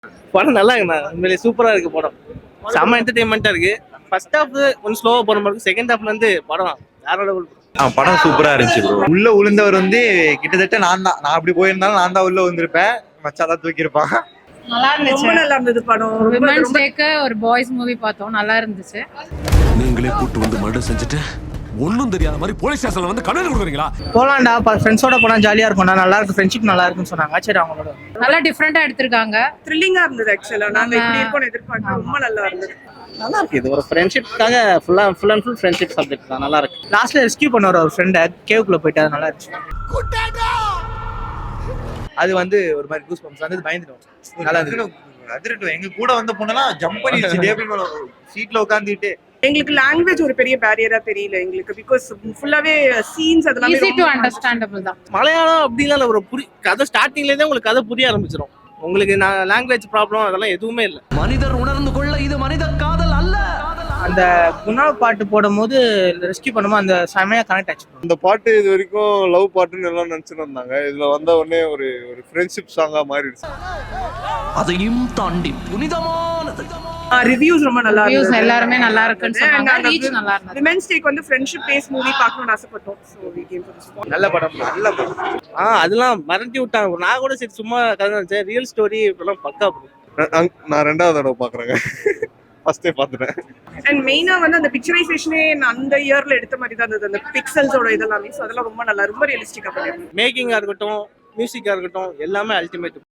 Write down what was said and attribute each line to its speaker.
Speaker 1: படம் நல்லா இருக்குண்ணா, உண்மையிலே சூப்பரா இருக்கு படம். செம்ம என்டர்டைன்மெண்டா இருக்கு. ஃபர்ஸ்ட் ஹாஃப் கொஞ்சம் ஸ்லோவா போற மாதிரி இருக்கு. செகண்ட் ஹாஃப்ல இருந்து படம் வேற லெவல்.
Speaker 2: படம் சூப்பரா இருந்துச்சு ப்ரோ. உள்ள விழுந்தவர் கிட்டத்தட்ட நான் அப்படி போயிருந்தாலும் நான் தான் உள்ள வந்திருப்பேன். மச்சாதான் தூக்கியிருப்பான்.
Speaker 3: நல்லா இருந்துச்சு.
Speaker 4: ரொம்ப நல்லா இருந்தது படம்.
Speaker 3: விமென்ஸ் டேக்கு ஒரு பாய்ஸ் மூவி பார்த்தோம், நல்லா இருந்துச்சு.
Speaker 5: நீங்களே கூட்டு வந்து மர்டர் செஞ்சுட்டு ஒன்னும் தெரியாத மாதிரி போலீஸ் ஸ்டேஷன்ல வந்து கண்ணு கொடுக்குறீங்களா?
Speaker 6: போலாம்டா, ஃப்ரெண்ட்ஸோட போனா ஜாலியா இருக்கும்டா, நல்லா இருக்கும், ஃப்ரெண்ட்ஷிப் நல்லா இருக்குன்னு சொன்னாங்க. சரி, அவங்களோட
Speaker 3: நல்லா டிஃப்ரெண்டா எடுத்திருக்காங்க.
Speaker 4: த்ரில்லிங்கா இருந்தது. ஆக்சுவலா நாங்க இப்படி இருக்கோம்னு எதிர்பார்த்தோம். ரொம்ப நல்லா இருந்தது.
Speaker 1: நல்லா இருக்கு. இது ஒரு ஃப்ரெண்ட்ஷிப்காக full and full friendship subject தான். நல்லா இருக்கு.
Speaker 6: லாஸ்ட்ல ரெஸ்கியூ பண்ணுவார் ஒரு ஃப்ரெண்டை, கேவுக்குள்ள போயிட்டு, அது நல்லா இருந்துச்சு.
Speaker 7: அது ஒரு மாதிரி கூஸ் பம்ப்ஸ் வந்து பயந்துட்டோம். நல்லா இருந்துச்சு.
Speaker 2: அதிரட்டும். எங்க கூட வந்த பொண்ணெல்லாம் ஜம்ப் பண்ணிடுச்சு டேபிள் மேல சீட்ல உட்காந்துட்டு.
Speaker 4: எங்களுக்கு லாங்குவேஜ் ஒரு பெரிய பேரியரா தெரியல எங்களுக்கு. பிகாஸ் ஃபுல்லாவே சீன்ஸ் அதெல்லாம்
Speaker 3: ஈஸி டு அண்டர்ஸ்டாண்டபிள் தான்.
Speaker 1: மலையாளம் அப்படிலாம் ஒரு கதை ஸ்டார்டிங்லேருந்தே உங்களுக்கு கதை புரிய ஆரம்பிச்சிடும். உங்களுக்கு லாங்குவேஜ் ப்ராப்ளம் அதெல்லாம் எதுவுமே இல்லை.
Speaker 5: மனிதர் உணர்ந்து கொள்ள இது மனித காதல் அல்ல.
Speaker 6: அந்த குணா பாட்டு போடும் போது ரெஸ்கியூ பண்ணும்போது அந்த செமையா கனெக்ட் ஆச்சு.
Speaker 8: இந்த பாட்டு இது வரைக்கும் லவ் பாட்டுன்னு எல்லாம் நினைச்சுட்டு இருந்தாங்க. இதுல வந்த உடனே ஒரு ஃப்ரெண்ட்ஷிப் சாங்கா மாறிடுச்சு.
Speaker 5: அதையும் தாண்டி புனிதமானது.
Speaker 4: ரிவ்யூஸ் ரொம்ப நல்லா இருந்துச்சு.
Speaker 3: எல்லாருமே நல்லா இருக்குன்னு சொன்னாங்க. ரீச் நல்லா இருந்துச்சு.
Speaker 4: விமென்ஸ் டேக்கு ஃப்ரெண்ட்ஷிப் பேஸ் மூவி பார்க்கணும்னு ஆசைப்பட்டோம். So we came for this one.
Speaker 7: நல்ல படம், நல்ல படம்.
Speaker 1: அதெல்லாம் மறந்து விட்டாங்க. நான் கூட சரி சும்மா கதை நினைச்சேன். ரியல் ஸ்டோரி இப்பெல்லாம் பக்கா.
Speaker 8: நான் 2வது தடவை பாக்குறேங்க. ஃபர்ஸ்டே பாத்துட்டேன்.
Speaker 4: அண்ட் மெயினா அந்த பிக்சரைசேஷனே அந்த இயர்ல எடுத்த மாதிரி தான் இருந்தது. அந்த பிக்சல்ஸோட இதெல்லாமே. சோ அதெல்லாம் ரொம்ப நல்லா, ரொம்ப ரியலிஸ்டிக்கா பண்ணிருந்தாங்க.
Speaker 1: மேக்கிங்கா இருக்கட்டும், மியூசிக்கா இருக்கட்டும், எல்லாமே அல்டிமேட்.